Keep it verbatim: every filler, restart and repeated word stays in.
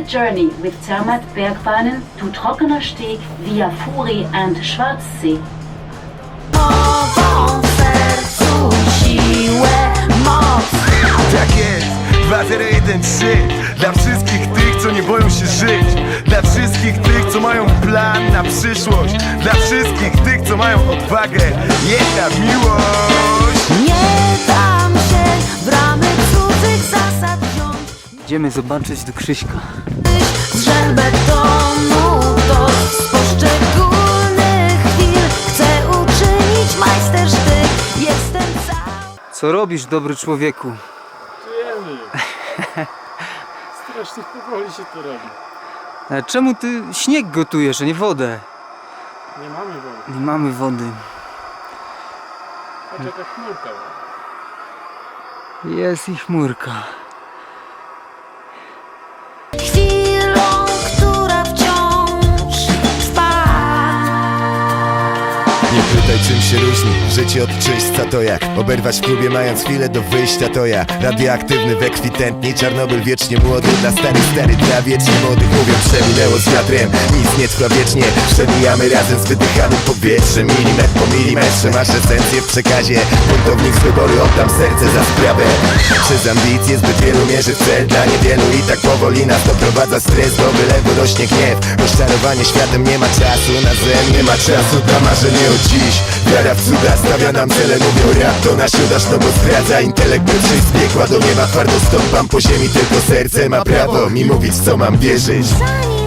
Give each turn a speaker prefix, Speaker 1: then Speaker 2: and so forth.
Speaker 1: the journey with Zermatt Bergbahnen to Trockener Steg via Furi and Schwarzsee.
Speaker 2: Nową sercu siłę, moc.
Speaker 3: Tak jest, dwa zero jeden trzy. Dla wszystkich tych, co nie boją się żyć. Dla wszystkich tych, co mają plan na przyszłość. Dla wszystkich tych, co mają odwagę. Jedna miłość.
Speaker 2: Nie dam się w ramy cudzych zasad wziąć.
Speaker 4: Idziemy zobaczyć do Krzyśka.
Speaker 2: Drzel betonu to z poszczególnych chwil. Chcę uczynić majstersztyk. Jestem cały.
Speaker 4: Co robisz, dobry człowieku?
Speaker 5: Czujemy. Strasznie powoli się to robi.
Speaker 4: A czemu ty śnieg gotujesz, a nie wodę?
Speaker 5: Nie mamy wody.
Speaker 4: Nie mamy wody.
Speaker 5: Patrz jaka chmurka.
Speaker 4: Jest i chmurka.
Speaker 2: Chwilą, która wciąż trwa.
Speaker 3: Nie pytaj, czym się różni życie od czyśćca, to jak oberwać w klubie mając chwilę do wyjścia, to ja radioaktywny we krwi tętni, Czarnobyl wiecznie młody, dla starych stary dla wiecznie młodych. Mówią, przeminęło z wiatrem, nic nie trwa wiecznie. Przemijamy razem z wydychanym powietrzem, milimetr po milimetrze. Masz esencję w przekazie, buntownik z wyboru, oddam serce za sprawę. Przez ambicje zbyt wielu mierzy w cel dla niewielu i tak powoli nas doprowadza stres, do wylewu rośnie gniew. Rozczarowanie światem, nie ma czasu na zen, nie ma czasu dla marzenia od dziś. Wiara w cuda stawia nam cele, mówią rap to nasz udasz, no bo zdradza intelekt, by przyjść z piekła do nieba. Twardo stąpam po ziemi, tylko serce ma prawo mi mówić, co mam wierzyć.
Speaker 2: Zanim